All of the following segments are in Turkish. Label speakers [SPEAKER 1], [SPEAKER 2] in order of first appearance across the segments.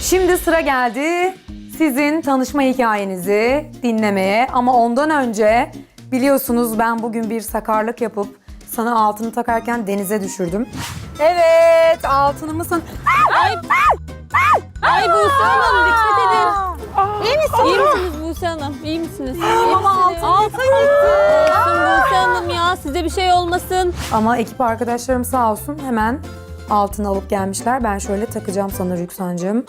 [SPEAKER 1] Şimdi sıra geldi sizin tanışma hikayenizi dinlemeye. Ama ondan önce biliyorsunuz ben bugün bir sakarlık yapıp sana altını takarken denize düşürdüm. Evet, altınımı sana...
[SPEAKER 2] Ay Buse Hanım dikkat edin. İyi misiniz? İyi misiniz Buse Hanım? İyi misiniz?
[SPEAKER 1] Ama altın
[SPEAKER 2] gitti. Olsun Buse Hanım ya, size bir şey olmasın.
[SPEAKER 1] Ama ekip arkadaşlarım sağ olsun hemen altını alıp gelmişler. Ben şöyle takacağım sana Rüksancığım.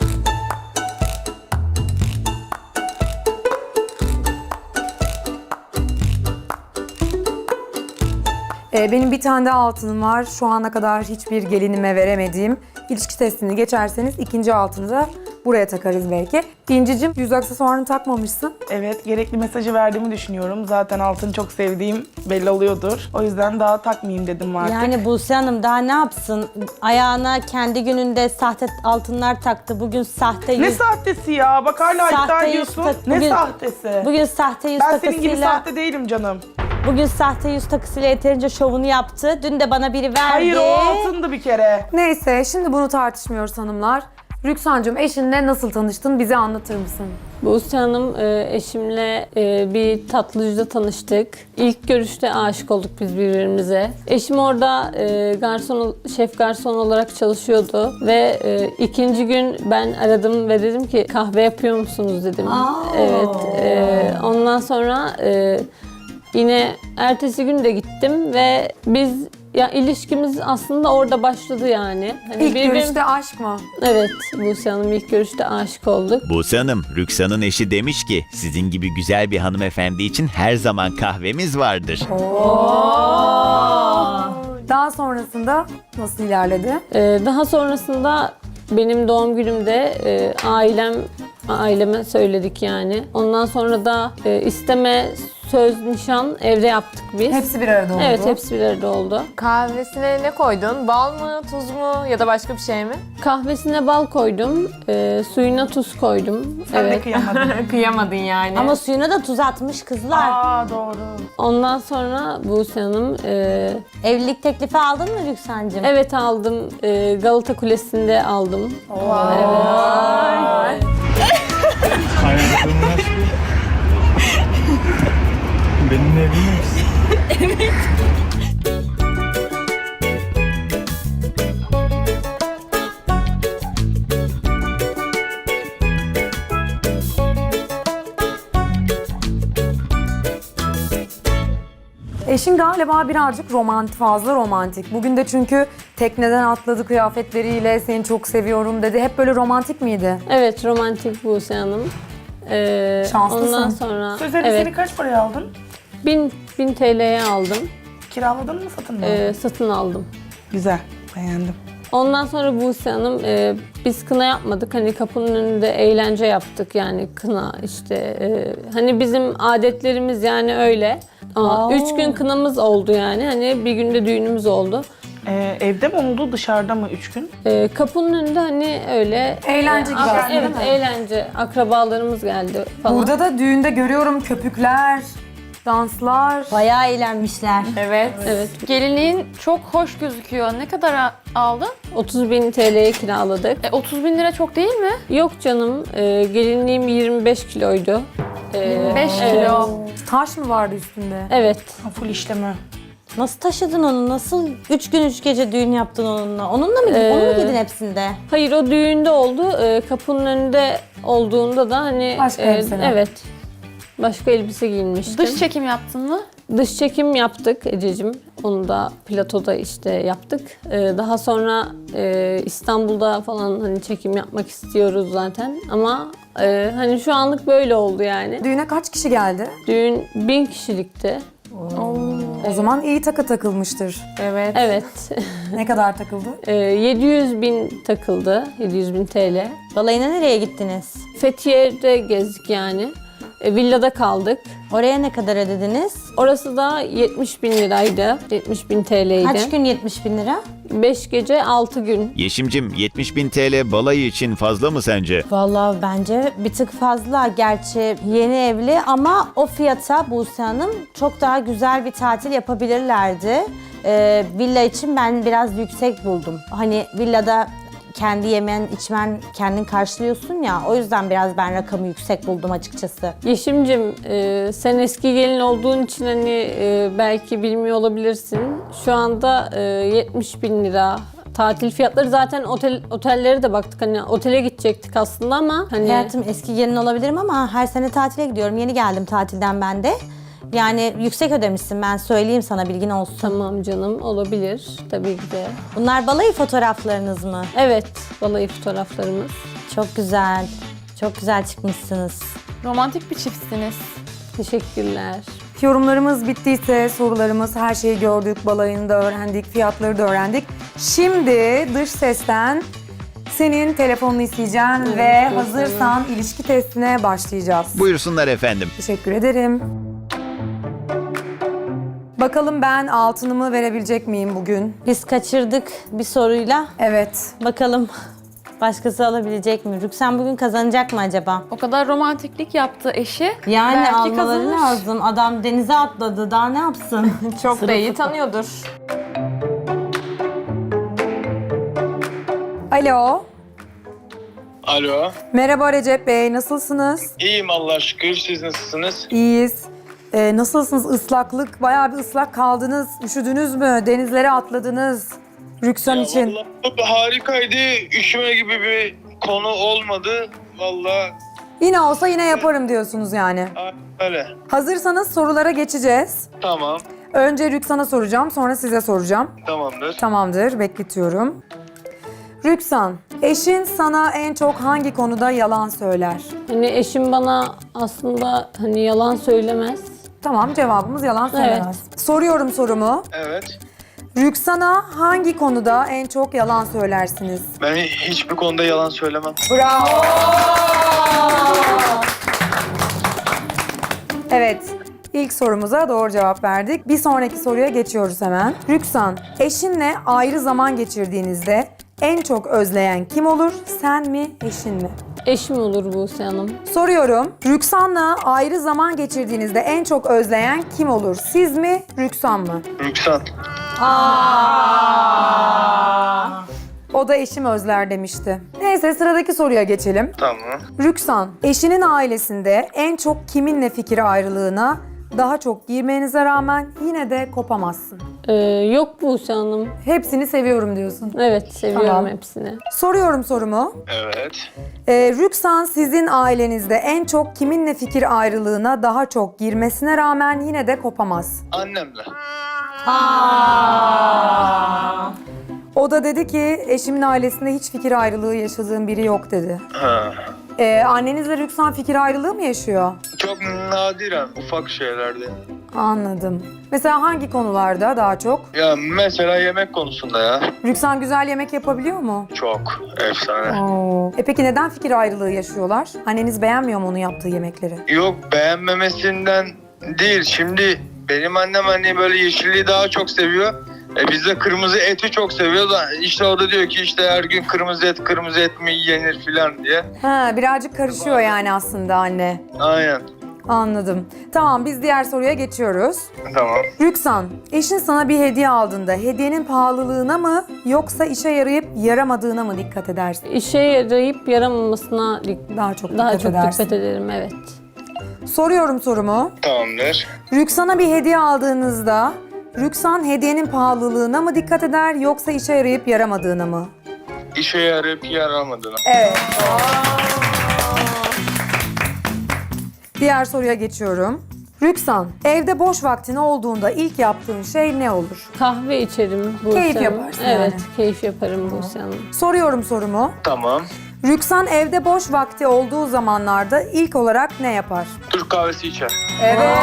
[SPEAKER 1] Benim bir tane de altınım var. Şu ana kadar hiçbir gelinime veremediğim. İlişki testini geçerseniz ikinci altını da buraya takarız belki. İncicim, yüz aksesuarını takmamışsın.
[SPEAKER 3] Evet, gerekli mesajı verdiğimi düşünüyorum. Zaten altını çok sevdiğim belli oluyordur. O yüzden daha takmayayım dedim artık.
[SPEAKER 4] Yani Buse Hanım daha ne yapsın? Ayağına kendi gününde sahte altınlar taktı. Bugün sahte yüz...
[SPEAKER 3] Ne sahtesi ya? Bak hala iddia
[SPEAKER 4] Sahte yüz
[SPEAKER 3] ediyorsun.
[SPEAKER 4] tak-
[SPEAKER 3] Ne
[SPEAKER 4] bugün-
[SPEAKER 3] sahtesi?
[SPEAKER 4] Bugün sahte yüz
[SPEAKER 3] Ben
[SPEAKER 4] takısıyla...
[SPEAKER 3] senin gibi sahte değilim canım.
[SPEAKER 4] Bugün sahte yüz takısıyla yeterince şovunu yaptı. Dün de bana biri verdi.
[SPEAKER 3] Hayır, o altındı bir kere.
[SPEAKER 1] Neyse, şimdi bunu tartışmıyoruz hanımlar. Rüksancığım, eşinle nasıl tanıştın? Bize anlatır mısın?
[SPEAKER 2] Buse Hanım eşimle bir tatlıcıda tanıştık. İlk görüşte aşık olduk biz birbirimize. Eşim orada şef garson olarak çalışıyordu ve ikinci gün ben aradım ve dedim ki kahve yapıyor musunuz dedim. Evet. Ondan sonra yine ertesi gün de gittim ve biz ilişkimiz aslında orada başladı yani. Hani
[SPEAKER 1] İlk görüşte aşk mı?
[SPEAKER 2] Evet, Buse Hanım ilk görüşte aşık olduk.
[SPEAKER 5] Buse Hanım, Rüksan'ın eşi demiş ki sizin gibi güzel bir hanımefendi için her zaman kahvemiz vardır.
[SPEAKER 1] Daha sonrasında nasıl ilerledi?
[SPEAKER 2] Daha sonrasında benim doğum günümde aileme söyledik yani. Ondan sonra da isteme, söz, nişan evde yaptık biz.
[SPEAKER 1] Hepsi bir arada oldu.
[SPEAKER 2] Evet, hepsi bir arada oldu.
[SPEAKER 6] Kahvesine ne koydun? Bal mı, tuz mu ya da başka bir şey mi?
[SPEAKER 2] Kahvesine bal koydum, suyuna tuz koydum.
[SPEAKER 3] Sen de kıyamadın.
[SPEAKER 6] Kıyamadın yani.
[SPEAKER 4] Ama suyuna da tuz atmış kızlar.
[SPEAKER 3] Aa, doğru.
[SPEAKER 2] Ondan sonra Buse Hanım,
[SPEAKER 4] Evlilik teklifi aldın mı Rüksancığım?
[SPEAKER 2] evet aldım, Galata Kulesi'nde aldım.
[SPEAKER 7] Hayatımın aşkı. Benimle evlenir misin?
[SPEAKER 1] Eşin galiba birazcık fazla romantik. Bugün de çünkü tekneden atladı kıyafetleriyle, seni çok seviyorum dedi. Hep böyle romantik miydi?
[SPEAKER 2] Evet, romantik Buse Hanım.
[SPEAKER 1] Şanslısın.
[SPEAKER 2] Ondan sonra
[SPEAKER 3] Söz elbiseni
[SPEAKER 2] evet,
[SPEAKER 3] kaç paraya aldın?
[SPEAKER 2] 1000 TL'ye aldım.
[SPEAKER 3] Kiraladın mı, satın mı?
[SPEAKER 2] Satın aldım.
[SPEAKER 3] Güzel, beğendim.
[SPEAKER 2] Ondan sonra Buse Hanım, biz kına yapmadık. Hani kapının önünde eğlence yaptık yani kına işte. Hani bizim adetlerimiz yani öyle. Ama 3 gün kınamız oldu yani. Hani bir günde düğünümüz oldu.
[SPEAKER 3] Evde mi oldu, dışarıda mı 3 gün?
[SPEAKER 2] Kapının önünde hani öyle...
[SPEAKER 1] Eğlence gibi aslında,
[SPEAKER 2] Evet,
[SPEAKER 1] değil mi?
[SPEAKER 2] eğlence. Akrabalarımız geldi falan.
[SPEAKER 1] Burada da düğünde görüyorum köpükler, danslar.
[SPEAKER 4] Bayağı eğlenmişler.
[SPEAKER 6] Evet.
[SPEAKER 2] Evet.
[SPEAKER 6] Gelinliğin çok hoş gözüküyor. Ne kadar aldın?
[SPEAKER 2] 30.000 TL'ye kiraladık.
[SPEAKER 6] 30 bin lira çok değil mi?
[SPEAKER 2] Yok canım, gelinliğim 25 kiloydu.
[SPEAKER 6] 5 kilo.
[SPEAKER 1] Taş mı vardı üstünde?
[SPEAKER 2] Evet.
[SPEAKER 3] Full işleme.
[SPEAKER 4] Nasıl taşıdın onu? Nasıl 3 gün 3 gece düğün yaptın onunla? Onunla mı onu mu giydin hepsinde?
[SPEAKER 2] Hayır, o düğünde oldu. Kapının önünde olduğunda da hani...
[SPEAKER 1] Başka elbiseler.
[SPEAKER 2] Evet. Başka elbise giyinmiştim.
[SPEAKER 6] Dış çekim yaptın mı?
[SPEAKER 2] Dış çekim yaptık Ececiğim. Onu da platoda işte yaptık. Daha sonra İstanbul'da falan hani çekim yapmak istiyoruz zaten. Ama hani şu anlık böyle oldu yani.
[SPEAKER 1] Düğüne kaç kişi geldi?
[SPEAKER 2] Düğün 1000 kişilikti.
[SPEAKER 1] O zaman iyi takılmıştır.
[SPEAKER 6] Evet.
[SPEAKER 2] Evet.
[SPEAKER 1] Ne kadar takıldı?
[SPEAKER 2] 700.000 takıldı. 700.000 TL.
[SPEAKER 4] Balayına nereye gittiniz?
[SPEAKER 2] Fethiye'de gezdik yani. Villada kaldık.
[SPEAKER 4] Oraya ne kadar ödediniz?
[SPEAKER 2] Orası da 70.000 liraydı. 70.000 TL'ydi.
[SPEAKER 4] Kaç gün 70 bin lira?
[SPEAKER 2] 5 gece 6 gün.
[SPEAKER 5] Yeşimcim, 70.000 TL balayı için fazla mı sence?
[SPEAKER 4] Vallahi bence bir tık fazla. Gerçi yeni evli ama o fiyata Buse Hanım çok daha güzel bir tatil yapabilirlerdi. Villa için ben biraz yüksek buldum. Hani villada kendi yemen, içmen kendin karşılıyorsun ya. O yüzden biraz ben rakamı yüksek buldum açıkçası.
[SPEAKER 2] Yeşim'cim sen eski gelin olduğun için hani belki bilmiyor olabilirsin. Şu anda 70 bin lira tatil fiyatları, zaten otellere de baktık, hani otele gidecektik aslında ama hani
[SPEAKER 4] Hayatım eski gelin olabilirim ama her sene tatile gidiyorum. Yeni geldim tatilden ben de. Yani yüksek ödemişsin, ben söyleyeyim sana, bilgin olsun.
[SPEAKER 2] tamam canım, olabilir tabii ki de.
[SPEAKER 4] Bunlar balayı fotoğraflarınız mı?
[SPEAKER 2] Evet, balayı fotoğraflarımız.
[SPEAKER 4] Çok güzel. Çok güzel çıkmışsınız.
[SPEAKER 6] Romantik bir çiftsiniz.
[SPEAKER 2] Teşekkürler.
[SPEAKER 1] Yorumlarımız bittiyse, sorularımız, her şeyi gördük, balayını da öğrendik, fiyatları da öğrendik. Şimdi dış sesten senin telefonunu isteyeceğim ve hazırsan ilişki testine başlayacağız.
[SPEAKER 5] Buyursunlar efendim.
[SPEAKER 1] Teşekkür ederim. Bakalım ben altınımı verebilecek miyim bugün?
[SPEAKER 4] Biz kaçırdık bir soruyla.
[SPEAKER 1] Evet.
[SPEAKER 4] Bakalım başkası alabilecek mi? Rüksan bugün kazanacak mı acaba?
[SPEAKER 6] O kadar romantiklik yaptı eşi.
[SPEAKER 4] Yani
[SPEAKER 6] Belki
[SPEAKER 4] almaları
[SPEAKER 6] kazanır.
[SPEAKER 4] lazım. Adam denize atladı. Daha ne yapsın?
[SPEAKER 6] Çok da iyi tanıyordur.
[SPEAKER 1] Alo.
[SPEAKER 8] Alo.
[SPEAKER 1] Merhaba Recep Bey, nasılsınız?
[SPEAKER 8] İyiyim Allah'a şükür. Siz nasılsınız?
[SPEAKER 1] İyiyiz. Nasılsınız? Islaklık, bayağı bir ıslak kaldınız. Üşüdünüz mü? Denizlere atladınız. Rüksan için.
[SPEAKER 8] Vallahi harikaydı. Üşüme gibi bir konu olmadı. Vallahi
[SPEAKER 1] Yine olsa yine yaparım diyorsunuz yani.
[SPEAKER 8] öyle.
[SPEAKER 1] Hazırsanız sorulara geçeceğiz.
[SPEAKER 8] Tamam.
[SPEAKER 1] Önce Rüksan'a soracağım, sonra size soracağım.
[SPEAKER 8] Tamamdır.
[SPEAKER 1] Tamamdır, bekletiyorum. Rüksan, eşin sana en çok hangi konuda yalan söyler?
[SPEAKER 2] Hani eşim bana aslında hani yalan söylemez.
[SPEAKER 1] Tamam, cevabımız yalan söylemez. Soruyorum sorumu.
[SPEAKER 8] Evet.
[SPEAKER 1] Rüksan'a hangi konuda en çok yalan söylersiniz?
[SPEAKER 8] Ben hiçbir konuda yalan söylemem.
[SPEAKER 1] Bravo! Evet, ilk sorumuza doğru cevap verdik. Bir sonraki soruya geçiyoruz hemen. Rüksan, eşinle ayrı zaman geçirdiğinizde en çok özleyen kim olur? Sen mi, eşin mi?
[SPEAKER 2] Eşim olur Buse Hanım.
[SPEAKER 1] Soruyorum. Rüksan'la ayrı zaman geçirdiğinizde en çok özleyen kim olur? Siz mi, Rüksan mı?
[SPEAKER 8] Rüksan.
[SPEAKER 1] O da eşim özler demişti. Neyse sıradaki soruya geçelim.
[SPEAKER 8] Tamam.
[SPEAKER 1] Rüksan, eşinin ailesinde en çok kiminle fikir ayrılığına daha çok girmenize rağmen yine de kopamazsın.
[SPEAKER 2] Yok Buse Hanım.
[SPEAKER 1] Hepsini seviyorum diyorsun.
[SPEAKER 2] Evet, seviyorum
[SPEAKER 1] Tamam.
[SPEAKER 2] hepsini.
[SPEAKER 1] Soruyorum sorumu.
[SPEAKER 8] Evet.
[SPEAKER 1] Rüksan sizin ailenizde en çok kiminle fikir ayrılığına daha çok girmesine rağmen yine de kopamaz.
[SPEAKER 8] Annemle.
[SPEAKER 1] O da dedi ki eşimin ailesinde hiç fikir ayrılığı yaşadığım biri yok dedi.
[SPEAKER 8] Ha.
[SPEAKER 1] Annenizle Rüksan fikir ayrılığı mı yaşıyor?
[SPEAKER 8] Çok nadiren ufak şeylerde.
[SPEAKER 1] Anladım. Mesela hangi konularda daha çok?
[SPEAKER 8] Ya mesela yemek konusunda ya.
[SPEAKER 1] Rüksan güzel yemek yapabiliyor mu?
[SPEAKER 8] Çok efsane.
[SPEAKER 1] Peki neden fikir ayrılığı yaşıyorlar? Anneniz beğenmiyor mu onun yaptığı yemekleri?
[SPEAKER 8] Yok beğenmemesinden değil. Şimdi benim annem hani böyle yeşilliği daha çok seviyor. Biz de kırmızı eti çok seviyoruz. İşte o da diyor ki işte her gün kırmızı et mi yenir filan diye.
[SPEAKER 1] Ha, birazcık karışıyor yani aslında anne.
[SPEAKER 8] Aynen.
[SPEAKER 1] Anladım. Tamam, biz diğer soruya geçiyoruz.
[SPEAKER 8] Tamam.
[SPEAKER 1] Rüksan, eşin sana bir hediye aldığında hediyenin pahalılığına mı yoksa işe yarayıp yaramadığına mı dikkat edersin?
[SPEAKER 2] İşe yarayıp yaramamasına
[SPEAKER 1] Daha çok
[SPEAKER 2] daha
[SPEAKER 1] dikkat
[SPEAKER 2] çok
[SPEAKER 1] edersin.
[SPEAKER 2] dikkat ederim, evet.
[SPEAKER 1] Soruyorum sorumu.
[SPEAKER 8] Tamamdır.
[SPEAKER 1] Rüksan'a bir hediye aldığınızda Rüksan hediyenin pahalılığına mı dikkat eder yoksa işe yarayıp yaramadığına mı?
[SPEAKER 8] İşe yarayıp yaramadığına.
[SPEAKER 1] Evet. Diğer soruya geçiyorum. Rüksan, evde boş vaktin olduğunda ilk yaptığın şey ne olur?
[SPEAKER 2] Kahve içerim Buse
[SPEAKER 1] Keyif
[SPEAKER 2] Hanım.
[SPEAKER 1] yaparsın
[SPEAKER 2] Evet,
[SPEAKER 1] yani.
[SPEAKER 2] keyif yaparım Buse Hanım.
[SPEAKER 1] Soruyorum sorumu.
[SPEAKER 8] Tamam.
[SPEAKER 1] Rüksan evde boş vakti olduğu zamanlarda ilk olarak ne yapar?
[SPEAKER 8] Türk kahvesi içer.
[SPEAKER 1] Evet.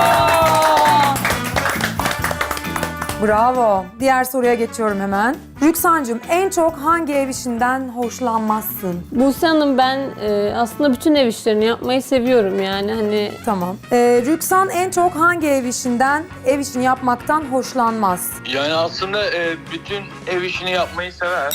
[SPEAKER 1] Bravo. Diğer soruya geçiyorum hemen. Rüksancığım en çok hangi ev işinden hoşlanmazsın?
[SPEAKER 2] Buse Hanım, ben aslında bütün ev işlerini yapmayı seviyorum yani hani
[SPEAKER 1] Tamam. Rüksan en çok hangi ev işini yapmaktan hoşlanmaz?
[SPEAKER 8] Yani aslında bütün ev işini yapmayı sever.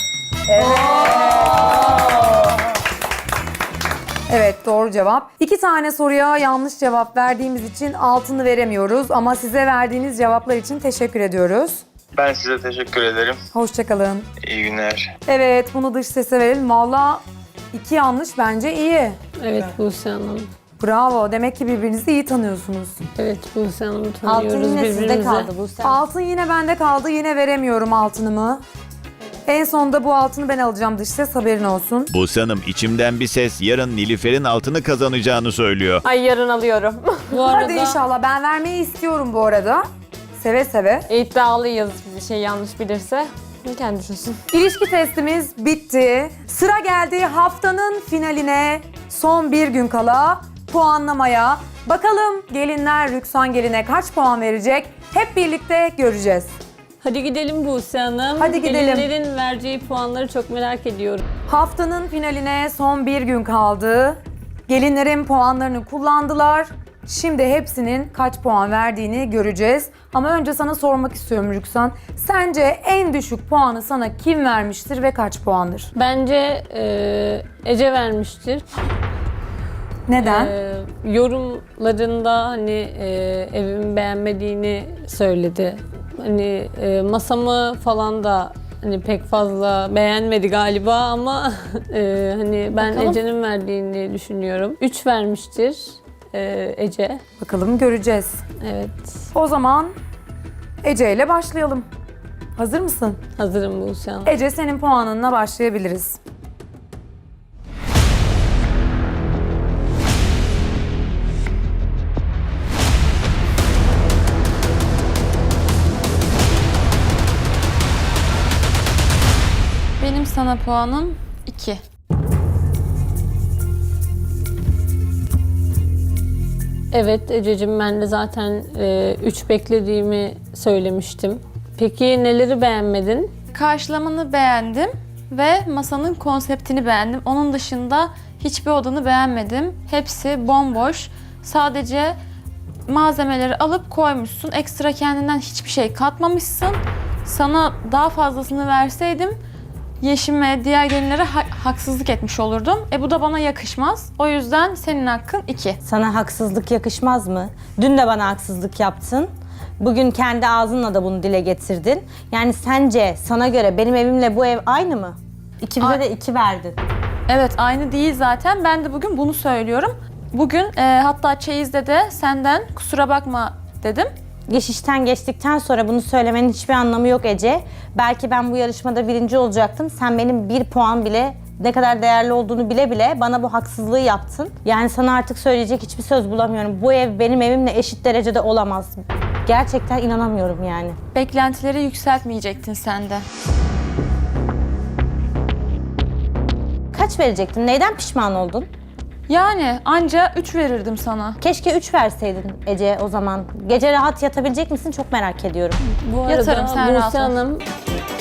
[SPEAKER 1] Evet, doğru cevap. 2 tane soruya yanlış cevap verdiğimiz için altını veremiyoruz ama size verdiğiniz cevaplar için teşekkür ediyoruz.
[SPEAKER 8] Ben size teşekkür ederim.
[SPEAKER 1] Hoşçakalın.
[SPEAKER 8] İyi günler.
[SPEAKER 1] Evet, bunu dış sese verelim. Valla 2 yanlış bence iyi.
[SPEAKER 2] Evet Buse Hanım.
[SPEAKER 1] Bravo. Demek ki birbirinizi iyi tanıyorsunuz.
[SPEAKER 2] Evet Buse Hanım
[SPEAKER 4] Altın
[SPEAKER 2] tanıyoruz
[SPEAKER 4] yine sizde
[SPEAKER 2] birbirimizi.
[SPEAKER 4] kaldı Buse.
[SPEAKER 1] Altın yine bende kaldı. Yine veremiyorum altınımı. En sonunda bu altını ben alacağım dış ses, haberin olsun.
[SPEAKER 5] Buse Hanım, içimden bir ses yarın Nilüfer'in altını kazanacağını söylüyor.
[SPEAKER 6] Ay yarın alıyorum.
[SPEAKER 2] Bu arada
[SPEAKER 1] Hadi inşallah. Ben vermeyi istiyorum bu arada. Seve seve.
[SPEAKER 6] İddialıyız, bir şey yanlış bilirse. Kendi düşünsün.
[SPEAKER 1] İlişki testimiz bitti. Sıra geldi haftanın finaline. Son bir gün kala puanlamaya. Bakalım gelinler Rüksan geline kaç puan verecek? Hep birlikte göreceğiz.
[SPEAKER 2] hadi gidelim Buse Hanım.
[SPEAKER 1] Hadi gidelim.
[SPEAKER 2] Gelinlerin vereceği puanları çok merak ediyorum.
[SPEAKER 1] Haftanın finaline son bir gün kaldı. Gelinlerin puanlarını kullandılar. Şimdi hepsinin kaç puan verdiğini göreceğiz. Ama önce sana sormak istiyorum Rüksan. Sence en düşük puanı sana kim vermiştir ve kaç puandır?
[SPEAKER 2] Bence Ece vermiştir.
[SPEAKER 1] Neden?
[SPEAKER 2] Yorumlarında hani evimi beğenmediğini söyledi. Hani masamı falan da hani pek fazla beğenmedi galiba ama hani ben
[SPEAKER 6] Bakalım.
[SPEAKER 2] Ece'nin verdiğini düşünüyorum. 3 vermiştir Ece.
[SPEAKER 1] Bakalım göreceğiz.
[SPEAKER 2] Evet.
[SPEAKER 1] O zaman Ece ile başlayalım. Hazır mısın?
[SPEAKER 2] Hazırım Buse Hanım.
[SPEAKER 1] Ece, senin puanınla başlayabiliriz.
[SPEAKER 9] Benim sana puanım 2.
[SPEAKER 2] Evet Ececiğim, ben de zaten 3 beklediğimi söylemiştim. Peki neleri beğenmedin?
[SPEAKER 9] Karşılamanı beğendim ve masanın konseptini beğendim. Onun dışında hiçbir odanı beğenmedim. Hepsi bomboş. Sadece malzemeleri alıp koymuşsun. Ekstra kendinden hiçbir şey katmamışsın. Sana daha fazlasını verseydim Yeşim'e, diğer gelinlere haksızlık etmiş olurdum. Bu da bana yakışmaz. O yüzden senin hakkın 2.
[SPEAKER 4] Sana haksızlık yakışmaz mı? Dün de bana haksızlık yaptın. Bugün kendi ağzınla da bunu dile getirdin. Yani sence sana göre benim evimle bu ev aynı mı? İkimize de 2 verdin.
[SPEAKER 9] Evet, aynı değil zaten. Ben de bugün bunu söylüyorum. Bugün hatta çeyizde de senden kusura bakma dedim.
[SPEAKER 4] Geçişten geçtikten sonra bunu söylemenin hiçbir anlamı yok Ece. Belki ben bu yarışmada birinci olacaktım. Sen benim 1 puan bile ne kadar değerli olduğunu bile bile bana bu haksızlığı yaptın. Yani sana artık söyleyecek hiçbir söz bulamıyorum. Bu ev benim evimle eşit derecede olamaz. Gerçekten inanamıyorum yani.
[SPEAKER 9] Beklentileri yükseltmeyecektin sen de.
[SPEAKER 4] Kaç verecektin? Neyden pişman oldun?
[SPEAKER 9] Yani anca 3 verirdim sana.
[SPEAKER 4] Keşke 3 verseydin Ece o zaman. Gece rahat yatabilecek misin? Çok merak ediyorum.
[SPEAKER 2] Bu arada
[SPEAKER 9] Yatarım, sen rahat
[SPEAKER 2] Buse
[SPEAKER 9] ol.
[SPEAKER 2] Hanım